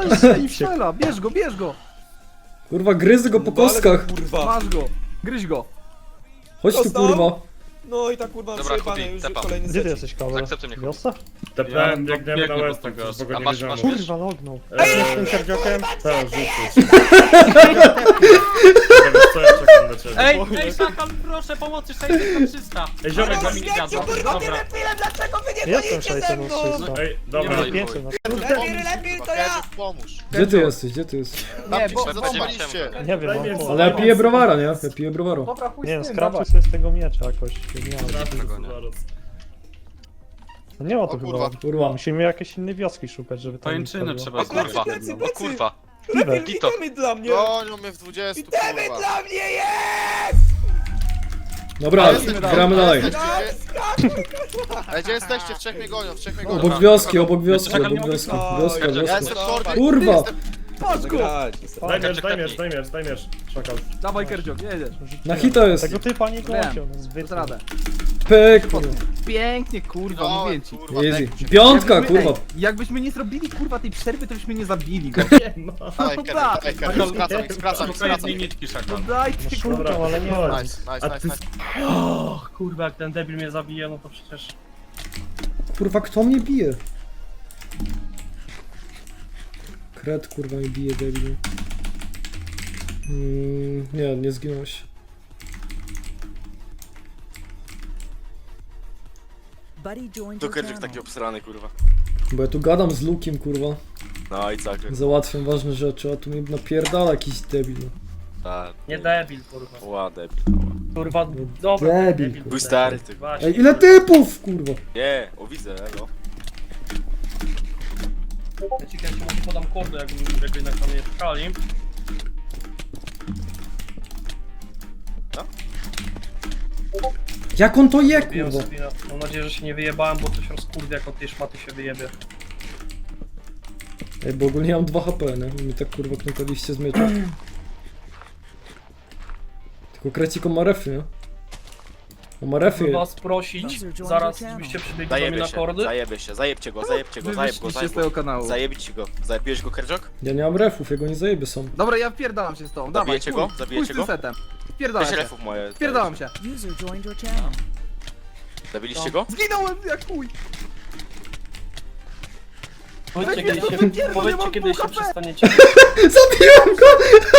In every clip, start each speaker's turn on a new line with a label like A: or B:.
A: I strzela, bierz go!
B: Kurwa, gryzę go po kostkach.
C: Kurwa.
A: Masz go! Gryź go!
B: Chodź tu,
C: Dostał?
B: kurwa.
C: No i tak kurwa
D: Dobra,
C: przejebane
D: Kubi,
C: już
D: tepam.
C: kolejny
E: Gdzie ty
C: set.
E: jesteś, Kawa?
D: Zaakceptuj mnie.
E: Wiosa?
F: Tepnąłem, biegniemy na
G: biegnę
F: West,
G: po tego.
F: bo go
D: A
F: nie
D: masz-
F: wiedziałem.
D: masz-
E: Kurwa, lognął.
C: Ej!
E: Z tym kardziokiem?
F: Tak, rzucić. Co ja czekam na ciebie?
G: Ej, Szakal, proszę pomocy, 600-300.
F: Ej, ziomek,
G: Ale mi nie wiadomo.
C: Kurwa, nie
G: Dobra.
C: wiem dlaczego wy nie
E: Jestem
C: boicie ze mną!
E: 600
F: Ej, dobra.
D: Nie ma.
E: 500 na
C: Lepiej to ja!
H: Pomóż.
B: Gdzie ty jesteś, gdzie ty jesteś?
H: Nie,
D: bo-
H: bo zapaliście.
E: Nie wiem, mam po...
B: Ale ja piję browara, nie? Ja piję browara.
A: Dobra, chuj
E: Nie wiem,
A: z tym,
E: skrapcie
A: dawaj.
E: sobie z tego miecza jakoś. Nie, wiem. No nie ma to
H: O
E: chyba.
H: kurwa.
B: Kurwa.
E: Musimy jakieś inne wioski szukać, żeby tam...
G: Pajęczyny
E: było.
G: trzeba
D: O kurwa,
C: Plecy,
D: o
C: plecy.
D: kurwa.
C: Lepiej
D: Gito.
C: witamy dla mnie!
H: Gonią mnie w 20,
C: Witamy
H: kurwa.
C: dla mnie, jest!
B: Dobra, gramy dalej.
H: Ej, gdzie jesteście? W trzech mnie gonią, w trzech mnie gonią.
B: Obok wioski, obok wioski,
G: Czekaj,
B: obok
G: nie mogę
B: wioski.
C: spać.
B: Wioska,
H: Ja
B: wioska.
H: jestem short.
B: Kurwa!
A: Patrz go!
F: Daj miecz, daj miecz, daj miecz, daj miecz. Szakal.
A: Dawaj Kerdziok, jedziesz.
B: Na hita jest.
E: Tego typa nie
A: Wiem.
E: gonią, no zbyt.
A: Dasz radę.
B: Pyk, kurwa.
A: Pięknie, kurwa,
H: No,
A: mówię ci.
H: kurwa,
B: Easy.
H: tak.
B: Piątka,
A: Jakbyśmy-
B: kurwa.
A: ej, jakbyśmy nie zrobili kurwa tej przerwy, to byśmy nie zabili go.
H: Daj, Kerry, skracam ich, skracam ich,
G: Szukaj
H: skracam
G: jednej
H: ich.
G: nitki,
A: No
G: Szakal.
A: daj ty kurwa.
E: Szukam, ale nie
F: Dobra.
E: ma.
H: Nice, nice, nice, nice.
G: O, kurwa, jak ten debil mnie zabije, no to przecież...
B: Kurwa, kto mnie bije? Kret, kurwa, mnie bije, debil. Nie, nie zginąłeś.
H: Tu Kerryk taki obsrany, kurwa.
B: Bo ja tu gadam z Lukiem, kurwa.
H: No i tak,
B: Załatwiam ważne rzeczy, a tu mnie napierdala jakiś debil.
H: tak.
G: Nie debil, kurwa.
H: Ła, debil.
G: Kurwa, dobra,
B: Debil,
G: debil.
H: Był stary, ty.
G: Właśnie.
B: Ej, ile typów, kurwa?
H: Nie, o widzę, elo.
G: Ja ci kiedyś może podam kordę, jakby jednak tam nie szukali.
B: Jak on to je,
G: Biję
B: kurwa?
G: sobie, mam nadzieję, że się nie wyjebałem, bo coś rozkurwie, jak od tej szmaty się wyjebie.
B: Ej, bo ogólnie mam 2 HP, nie? Mi tak kurwa knutaliście z miecza. Tylko Kreciko ma refy, nie? On ma refy.
G: Chcę was prosić, zaraz żebyście przybiegli do mnie
H: Zajebie
G: na
H: się,
G: kordy.
H: zajebie się, zajebcie go, zajebcie go, zajeb go,
A: Wywyższliście
H: zajeb
A: z tego
H: go.
A: kanału.
H: Zajebić go. Zajebiłeś go, Kerczok?
B: Ja nie mam refów, ja go nie zajebie sam.
A: Dobra, ja wpierdalam się z tobą, dawaj,
H: Zabijecie go?
A: chuj,
H: Zabijecie
A: chuj z tym
H: go?
A: setem. Wpierdalam
H: Weź
A: się.
H: refów moje.
A: Wpierdalam się.
H: Zabiliście go?
A: Zginąłem jak chuj.
G: Powiedzcie,
A: Weź mnie
G: kiedy
A: to
G: się,
A: wypierdol, ja
G: powiedzcie,
A: mam
G: kiedy
A: pół
G: się
A: HP.
G: przestaniecie.
B: Zabiłem go!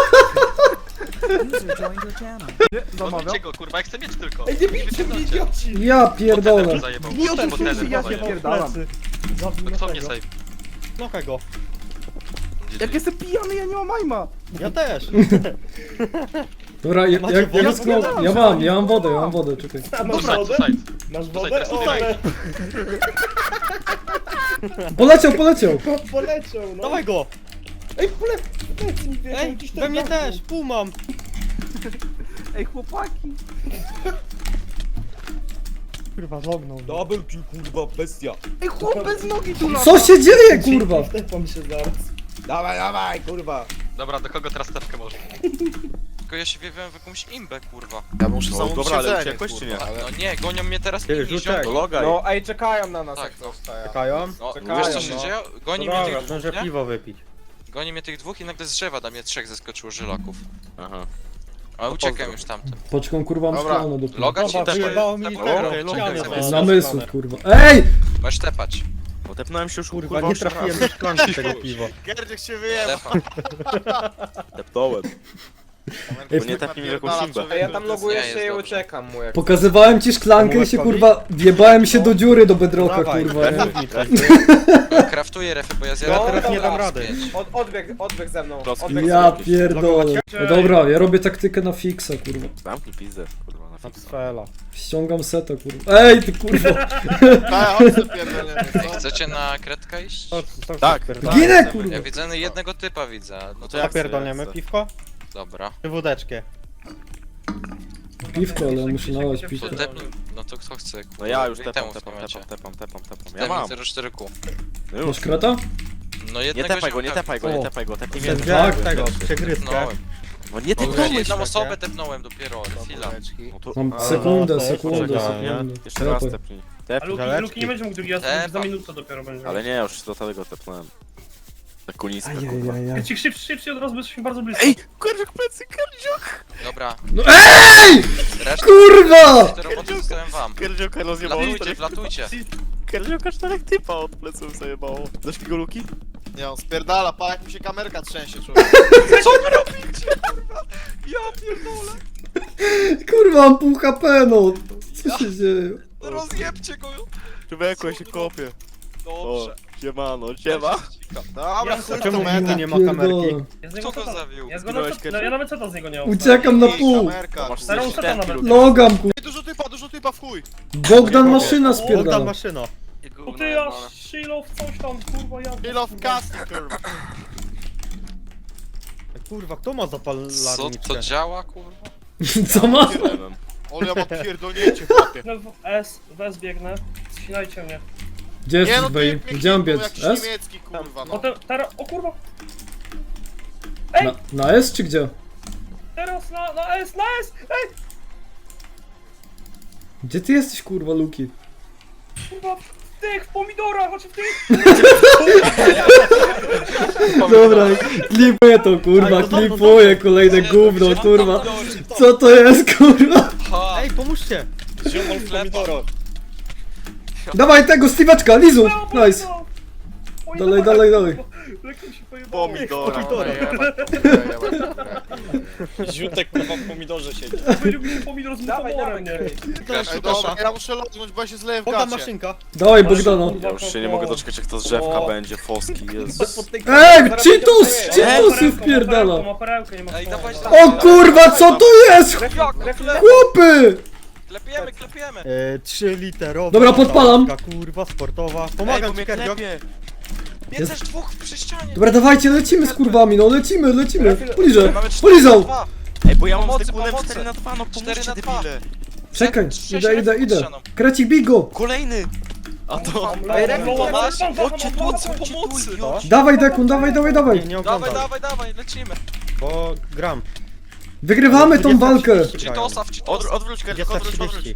A: Nie, zamawiam.
D: Odbijcie go, kurwa, ja chcę mieć tylko.
C: Ej, nie bijcie mnie, idioci!
B: Ja pierdolę.
D: Potem zajebał.
A: Nie odpuszczę
D: Potem
A: się, ja się
D: zajebał.
A: pierdalam.
E: Zabij
D: To kto mnie
E: tego.
D: save?
E: Nocha go.
A: Jak jestem pijany, ja nie mam majma.
E: Ja też.
B: Dobra, jak
E: wodę?
B: wyschnął... Ja mam wodę, czekaj.
F: Masz
D: Tutaj,
F: wodę?
D: tutaj.
F: Masz
D: Tutaj,
F: wodę?
D: teraz
F: O,
D: tutaj.
B: Poleciał!
F: poleciał, no.
E: Dawaj go!
C: Ej, plecy mi wierzą, gdzieś tam
E: We mnie
C: zamknął.
E: też, pół mam.
A: Ej, chłopaki.
E: Kurwa, lognął.
C: Double kill, kurwa, bestia.
A: Ej, chłop bez nogi tu lata.
B: Co się dzieje, kurwa?
F: Wtepam się zaraz.
C: Dawaj, dawaj, kurwa.
D: Dobra, do kogo teraz stawkę może?
I: Tylko ja się wiewiałem w jakąś imbę, kurwa.
H: Ja muszę
C: No,
H: zamówić
C: dobra, ale
H: jedzenie,
C: uciekłeś, czy nie?
H: kurwa, ale...
I: No nie, gonią mnie teraz
E: Ty,
I: inni
E: rzucaj.
I: ziomki.
H: Logaj.
C: No, ej, czekają na nas,
I: Tak,
C: jak
I: no.
C: coś stają.
E: Czekają?
I: No,
C: Czekają,
I: wiesz co się
C: no.
I: dzieje? Goni
E: No
I: mnie
E: dobra,
I: tych
E: zdążę
I: dwóch, nie?
E: piwo wypić.
I: Goni mnie tych dwóch i nagle z drzewa na mnie 3 zeskoczyło żylaków.
H: Aha.
I: A uciekam już tamten.
B: Poczką, kurwa, mam
H: Dobra,
B: szklane do
I: Loga ci
E: Dobra,
I: tepaj.
E: wyjebało mi
I: Tepaj.
E: tego.
H: Okej,
E: Ściany
B: Namysłów, kurwa. Ej!
I: Możesz tepać.
H: Bo tepnąłem się już
E: Kurwa, nie trafiłem do szklanki tego piwa.
H: Kerczek się wyjebał.
I: Tepam.
H: Tepnąłem.
B: Ej,
H: Bo nie trafi mi w jakąś imbę.
C: Ej, ja tam loguję
I: Nie,
C: się
I: jest
C: i
I: dobrze.
C: uciekam mu, jak...
B: Pokazywałem ci szklankę i się, kurwa, wjebałem się do dziury do bedrocka,
E: Dawaj,
B: kurwa, nie?
E: mów mi coś.
I: Kraftuję refy, bo ja
C: No,
I: zjadam.
E: teraz nie dam
I: raz
E: rady.
I: pięć.
C: Odbieg ze mną.
H: Klocki.
C: Odbieg
B: Ja
C: ze mną.
B: pierdolę. No dobra, ja robię taktykę na fixa, kurwa.
H: Zamknij pizdę, kurwa, na fixa.
E: Atfela.
B: Ściągam seta, kurwa. Ej, ty kurwa!
H: Tak, chodź sobie pierdolę.
I: Chcecie na kredkę iść?
H: Tak.
B: Ginę, kurwa!
I: Ja widzę jednego typa widzę. No
H: No
I: to
H: to jak
E: Zapierdolniemy
H: chcę.
E: piwko?
I: dobra.
E: Czy wódeczkę?
B: Piwko, ale ja muszę nalać piwko.
I: To tepnij. No to kto chce?
H: No ja już
I: I
H: tepam,
I: temu w
H: tepam,
I: momencie.
H: tepam. Ja
I: Ja
H: mam.
I: 04Q.
H: No już.
B: Masz krata?
I: No
H: Nie
I: jednego
H: tepaj go, nie
I: ziomka
H: tepaj go, nie tepaj go, tepnij mnie.
E: Wziąłem tego, przegrywkę.
I: tepnąłem.
H: No nie
I: No,
H: tepnąłeś
I: jedną
H: mnie.
I: osobę tepnąłem dopiero, chwila.
H: No to...
B: Mam
E: Ale
B: sekundę,
E: no, to
B: sekundę,
E: poczekaj, nie?
B: sekundę.
H: Jeszcze raz
B: Tepaj.
H: tepnij.
G: A
H: Tepnij.
G: Luki nie będzie mógł drugi raz,
I: Tepa.
G: za minutę dopiero będzie.
H: Ale nie, już do tego tepnąłem.
J: Takuliska,
B: Ajajajaj.
G: Krecik, szybciej od razu, bo jesteśmy bardzo blisko.
J: Ej, Kerdziok plecy, Kerdziok!
I: Dobra,
B: No EJ!
I: resztę
B: Kurwa!
I: te roboty zostawiam wam.
J: Kerdzioka rozjebało.
I: Wlatujcie, wlatujcie.
J: Kerdzioka 4 typa od pleców zajebało. Dasz mi go luki?
H: Nie, on spierdala, pa jak mi się kamerka trzęsie, człowiek.
I: Ja pierdolę.
B: Kurwa, mam pół HP, no. Co się dzieje?
I: Rozjebcie go.
J: Człowieku, ja się kopię.
I: Dobrze.
J: Siemano, siema.
H: Dobra,
G: Ja
H: chuj w
E: Czemu
H: tą
E: w nim
H: metę.
E: nie ma kamerki?
B: Pierdolę.
G: Ja z
I: Kto
G: niego
I: go
G: seta-
I: zawił?
G: Ja,
J: Zginąłeś
G: no, ja nawet seta z niego nie mam.
B: Uciekam na pół.
H: Kamerka.
J: Masz
G: Starą seta nawet.
B: Logam, kur...
H: Ej, dużo typa w chuj.
B: Bogdan maszyna
E: Bogdan
B: spierdala.
E: maszyna.
G: To ty aż Shiloh coś tam, kurwa, ja...
H: Kill of casting, kurwa.
E: Ej, kurwa, kto ma
I: Co
E: zapalarniczkę?
I: to działa, kurwa?
B: Co ma?
H: Ale ja mam pierdolnięcie, chłopie.
G: No, w S biegnę. Ścinajcie mnie.
B: Gdzie
H: Nie
B: jesteś,
H: no,
B: Bej?
H: ty
B: Gdzie mam biec?
H: jakiś
B: S?
H: niemiecki, kurwa, no.
G: Potem, teraz, o kurwa,
B: Na S czy gdzie?
G: teraz na S, ej!
B: Gdzie ty jesteś, kurwa, Luki?
G: Kurwa, w tych pomidorach, znaczy w tych...
B: Dobra, klipuję to, kurwa, klipuję kolejne gówno, kurwa. Co to jest, kurwa?
I: Ha!
E: Ej, pomóżcie!
F: Ziomol w pomidorach.
B: Dawaj tego, Steve'eczka, Lizu! Nice. Dalej, dalej, dalej.
G: Jak mi się pojebało.
J: Pomidora.
F: Ziutek kurwa w pomidorze siedzi.
G: Powiedział mi się pomidor z
A: Dawaj,
G: muchomorem,
A: dawaj,
G: nie?
H: Ej, dobra, ja muszę lądnąć, bo ja się zleję w
E: Bogdan
H: gacie.
E: maszynka.
B: Dawaj Bogdana.
J: Ja już się nie mogę doczekać, jak to z drzewka będzie, foski, Jezus.
B: Ej, Cheetos! Cheetosy wpierdala.
G: Ma perełkę, nie ma
I: Ej, dawaj
B: O kurwa, co to jest? Chłopy!
I: Klepiemy, klepiemy.
E: 3-literowa.
B: Dobra, podpalam.
E: lampka, Kurwa, sportowa. Pomagam ci, Kerdziok.
I: Jest też dwóch przy ścianie.
B: Dobra, dawajcie, lecimy z kurwami, no lecimy. Polizę,
I: Mamy 4
B: polizał.
I: na 2.
J: Ej, bo ja mam
I: Pomocy,
J: z tykunem
I: pomocy.
J: 4 na 2, no
I: 4
J: pomóżcie
I: na 2.
J: debile.
B: Czekaj,
I: Sześć
B: idę.
I: refów pod ścianą.
B: Krecik, bij go.
J: Kolejny! A to...
I: Chodźcie, pomocy.
B: Dawaj, Dekun, dawaj.
E: Nie
I: Dawaj,
E: oglądam,
I: dawaj, lecimy.
E: bo gram.
B: Wygrywamy tą walkę.
E: 20:30 grają.
I: Cheetosa w Cheetosa.
J: Odwróć, Kerdziok, odwróć.
E: 20:30.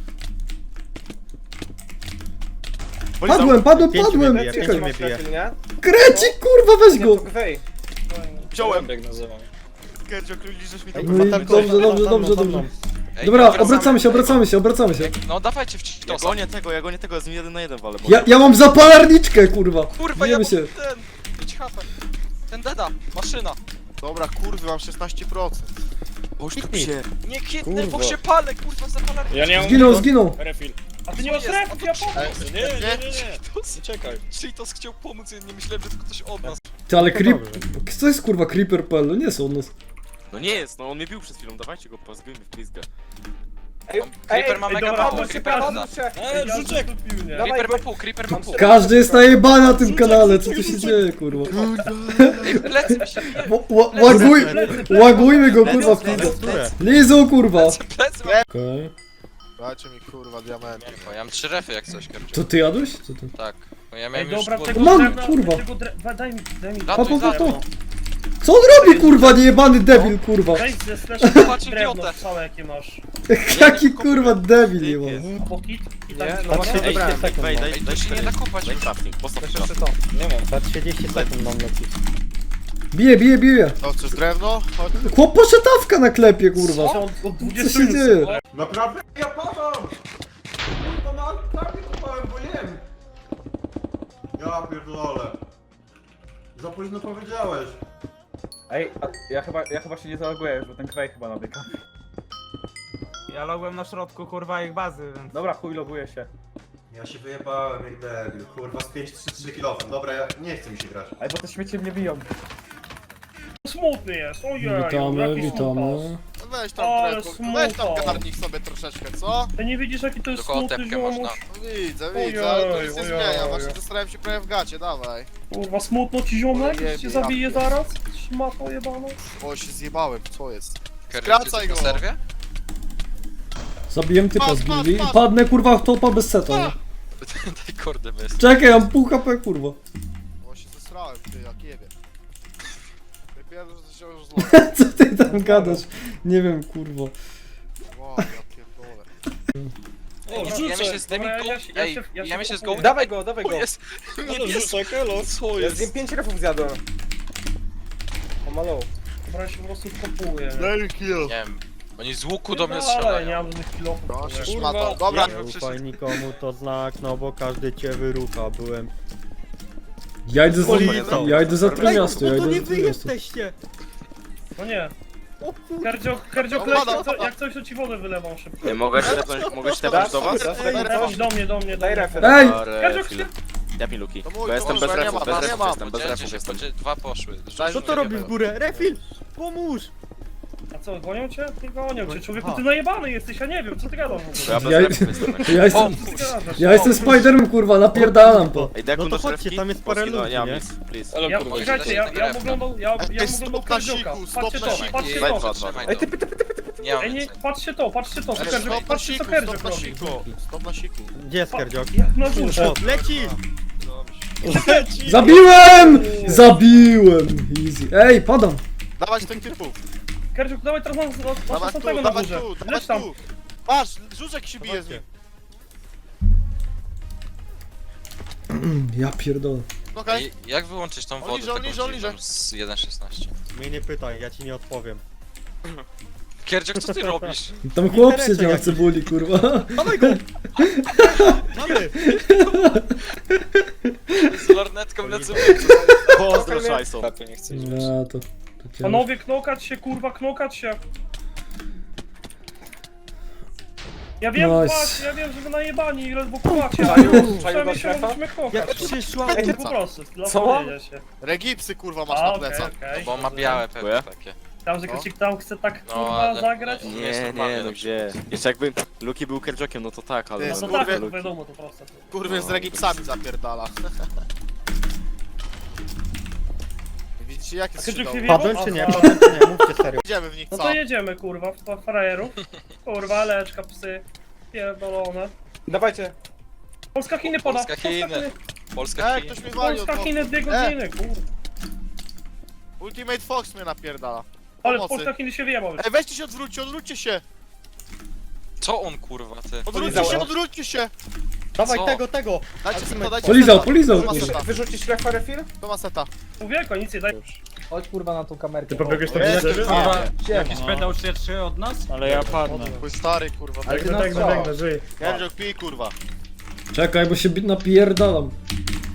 B: Padłem.
E: Pięciu mnie
B: Czekaj.
E: bije.
B: Krecik, kurwa, weź go.
C: Wej.
J: Wziąłem.
F: Jak nazywam.
J: Kerdziok, liczysz mi to.
B: No i dobrze.
I: Ej,
B: Dobra,
I: wracamy.
B: obracamy się.
I: No dawajcie w
J: Ja
I: Cheetosa.
J: gonię tego, z nim 1 na 1 walę.
B: Ja mam zapalarniczkę, kurwa.
I: Kurwa, ja
B: Bijemy
I: mam
B: się.
I: ten. 5 HP. Ten deda, maszyna.
H: Dobra, kurwy, mam 16%.
J: Boż tu
E: Kitnij.
J: się.
I: Nie kitnę, bo
F: Kurwa.
I: się palę, kurwa, zapalarnię.
F: Ja nie mam...
B: Zginął.
F: Refill.
G: A ty nie masz refów, ja pomóc.
F: Nie. Czekaj.
I: Cheetos chciał pomóc, ja nie myślałem, że to ktoś od nas.
B: Ty, ale Co jest, kurwa, Creeper.pl? No nie są od nas.
J: No nie jest, no on mnie bił przed chwilą, dawajcie go, pozgryjmy w pizgę.
I: Creeper ma
G: ej,
I: mega
G: dobra,
I: mało,
G: chodź,
I: Creeper
G: chodź,
I: ma.
F: Rzuczek.
I: Creeper ma pół, Creeper ma pół.
B: Każdy jest najebany na tym kanale, co tu się dzieje, kurwa?
I: Plecy mi się
B: Łagujmy go, kurwa, w pizdę.
E: Które?
B: Lizu, kurwa.
I: plecy ma.
B: Okej.
H: Dajcie mi, kurwa, diamenty.
I: Ja mam 3 refy jak coś, Kerczuk.
B: To ty jadłeś? Co ty?
I: Tak. No ja
G: Ej,
I: miałem już
G: dobra,
I: głód.
G: tego
B: Mam,
G: drewna,
B: kurwa.
G: tego daj mi.
I: Ratuj,
B: to. Co on robi, kurwa, niejebany debil, kurwa?
G: Weź ze slash
I: Patrz,
G: drewno
I: idiotę.
G: całe jakie masz.
B: Jaki, kurwa, debil jebany.
G: Pokit i
A: Nie,
G: tak.
A: no właśnie
J: Ej,
A: wybrałem.
J: wej,
I: Ej, to się nie da kopać
J: Daj
I: już.
J: crafting, postaw
A: Jeszcze
J: crafting.
A: to.
F: Nie mam.
E: Za 30 sekund mam lecieć.
B: Bije.
H: O, chcesz drewno? Chodź.
B: Chłop poszetawka na klepie, kurwa.
G: Od
B: Co
G: 20
B: się dzieje?
A: Naprawdę? Ja padam! To na tak kupałem, bo jem.
F: Ja pierdolę. Za późno powiedziałeś.
A: Ej, ja chyba się nie zaloguję już, bo ten kwej chyba nabiega. Ja logłem na środku, kurwa, ich bazy, więc... Dobra, chuj, loguję się.
F: Ja się wyjebałem jak debil, kurwa z 5-3 kilofem. Dobra, ja nie chcę mi się grać.
A: Ej, bo te śmiecie mnie biją.
G: Smutny jest, ojej.
B: Witamy.
H: Weź tam
G: Ale
H: drewno,
G: smutno.
H: weź tam garnik sobie troszeczkę, co?
G: Ty nie widzisz jaki to jest
I: Tylko
G: smutny
I: otepkę można.
G: ziomuś?
H: Widzę, ale to nic nie
G: Ojej,
H: zmienia.
G: ojej.
H: Właśnie zostawiam się prawie w gacie, dawaj.
G: Kurwa, smutno ci ziomek?
H: Ojej,
G: Cię zabije
H: ja-
G: zaraz? Szmato jebana.
H: O, się zjebałem, co jest?
I: Kerczuk,
H: Skracaj
I: jesteś
H: go.
I: na serwie?
B: Zabiłem typa z
H: Patrz, patrz,
B: gildii i
H: patrz.
B: padnę, kurwa, w topa bez seta, nie?
I: Daj kordę bez.
B: Czekaj, mam pół HP, kurwa.
H: O, się zesrałem, ty, jak jebie. Wypierdol, że się już zloga.
B: Co ty tam gadasz? Nie wiem, kurwa.
H: Wow, ja pierdolę.
I: Ja myślę z tymi
G: Dobra,
I: go...
G: ja
I: Ej,
G: się
I: ja myślę z go...
G: kupuję.
C: Dawaj go, dawaj
I: O,
C: go.
I: jest...
J: Co
C: Ja z nim 5 refów zjadłem. O malo.
G: Dobra, ja się po prostu kopuję.
H: Daily kill.
I: Nie wiem, oni z łuku do mnie
G: Ale nie
I: strzelają.
G: mam żadnych kilofów.
H: Proszę,
I: Kurwa.
H: szmata. Dobra,
E: Nie ufaj nikomu, to znak, no bo każdy cię wyrucha, byłem...
B: Ja idę za,
E: Policją.
B: ja idę za Trójmiasto, ja
E: no to
B: idę
E: nie
B: za
E: wy
B: Trójmiasto.
E: jesteście!
G: No nie.
E: O kurwa!
G: Kerdziok, jak coś to ci wodę wylewam szybko.
J: Mogę stepnąć do was?
G: Chodź do mnie.
C: Daj refy.
B: Ej!
G: Kerdziok, ty...
J: Daj mi luki.
H: To mój,
J: Bo
H: to
J: jestem
H: może
J: bez
H: ja nie
J: refów,
H: mam,
J: bez
H: ja
J: refów
H: mam.
J: jestem, bez
I: Podzielcie
J: refów
I: się,
J: jestem.
I: dwa poszły.
E: Co to robi w górę? Refil! Pomóż!
G: A co, gonią cię? Nie gonią cię. Człowieku, ty najebany jesteś, ja nie wiem, co ty gadasz w
J: Ja
G: ogóle.
J: bez
B: Ja-
J: refów jestem.
B: Ja jestem,
G: Co ty gadasz?
B: ja jestem Spiderem, kurwa, napierdalam to.
J: Ej, Dekun,
E: No to
J: dasz
E: chodźcie,
J: refki?
E: tam jest parę
J: Polski, no,
E: ludzi,
J: nie mam
E: nie?
J: nic, please.
G: Ja, czekajcie, ja oglądał
H: stop na
G: Kerdzioka.
H: siku,
G: Patrzcie
H: stop na
G: to,
H: siku.
G: patrzcie
J: Daj
G: to.
J: dwa.
I: Trzymaj
C: Ej,
I: to. Nie mam
G: Ej, nie,
I: więcej.
G: patrzcie to,
H: Stop na
G: patrzcie co
H: siku,
G: Kerdziok
H: stop na
G: robi.
H: siku. Stop na siku.
E: Gdzie jest Kerdziok?
G: Jak na górze.
E: O, leci!
B: Zabiłem! Zabiłem! Easy. Ej, padam.
H: Dawać tych typów.
G: Kerdziok, dawaj teraz masz
H: Dawać
G: następnego
H: tu,
G: na
H: dawać
G: górze.
H: tu, dawać
G: Leć tam.
H: tu. Patrz, Żużek się bije z nim.
B: Ja pierdolę.
H: Okej.
I: Ej, jak wyłączyć tą
H: On
I: wodę
H: liże, on liże, on liże.
I: taką z 1.16?
E: Mnie nie pytaj, ja ci nie odpowiem.
I: Kierdziok, co ty robisz?
B: Tam chłop siedział na cebuli, kurwa.
E: Dawaj go! Mamy!
I: Z lornetką na cebulę.
J: Pozdro, Szajson.
B: Ja to cię...
G: Panowie, knokać się, kurwa, knokać się. Ja wiem,
B: Nice.
G: patrz, ja wiem, że wy najebani i rozbukowacie.
C: Czaju do
G: Przynajmniej się
C: strefa?
G: mogliśmy
E: Jak
G: knokać.
E: przyszła...
G: No po prostu, dla
C: Co?
G: powiedzenia się.
H: Regipsy kurwa masz
G: A,
H: na
G: okej,
H: plecach.
G: okej.
I: Bo on ma białe pewnie
J: Dziękuję.
I: takie.
G: Tam, że Krzysiek tam chce tak,
I: No,
G: kurwa,
I: ale-
G: zagrać.
J: Nie, no gdzie? Jeszcze jakby Luki był Kerjokiem, no to tak, ale...
H: Ty,
G: No to
H: kurwa,
G: tak, to
J: Luki.
G: wiadomo, to proste.
H: Kurwy z regipsami zapierdala. Widzicie jakie
G: A Krzysiek
H: strzydą?
G: się
E: Padłem
G: wjebał?
E: czy nie?
G: Aha.
E: Padłem czy nie? Mówcie serio.
H: Idziemy w nich
G: No
H: co?
G: to jedziemy, kurwa, w frajerów. Kurwa, leczka, psy. Pierdolone.
C: Dawajcie.
G: Polska Chiny poda.
I: Polska Chiny. Polska Chiny.
H: Ktoś mnie wali od
G: Polska Chiny 2 godziny, kurwa.
H: Ultimate Fox mnie napierdala.
G: Ale
H: Pomocy.
G: Polska Chiny się wyjebał.
H: Ej, weźcie się odwróćcie się!
I: Co on kurwa ty?
H: Odwróćcie się!
E: Dawaj
I: Co?
E: tego!
H: Dajcie seta, dajcie
B: Polizał,
H: seta.
B: polizał,
H: To ma
B: kurwa.
H: seta,
C: Wyrzucić refa refil?
H: to ma seta.
G: Człowieku, nic nie daj.
C: Chodź kurwa na tą kamerkę.
E: Ty pobiegłeś
C: tam
E: Jakiś
A: pedał 3 od nas?
E: Ale ja padnę.
H: Twój stary kurwa.
C: Ale ty nas co?
E: żyj.
H: Kendrick pij kurwa.
B: Czekaj, bo się napierdalam.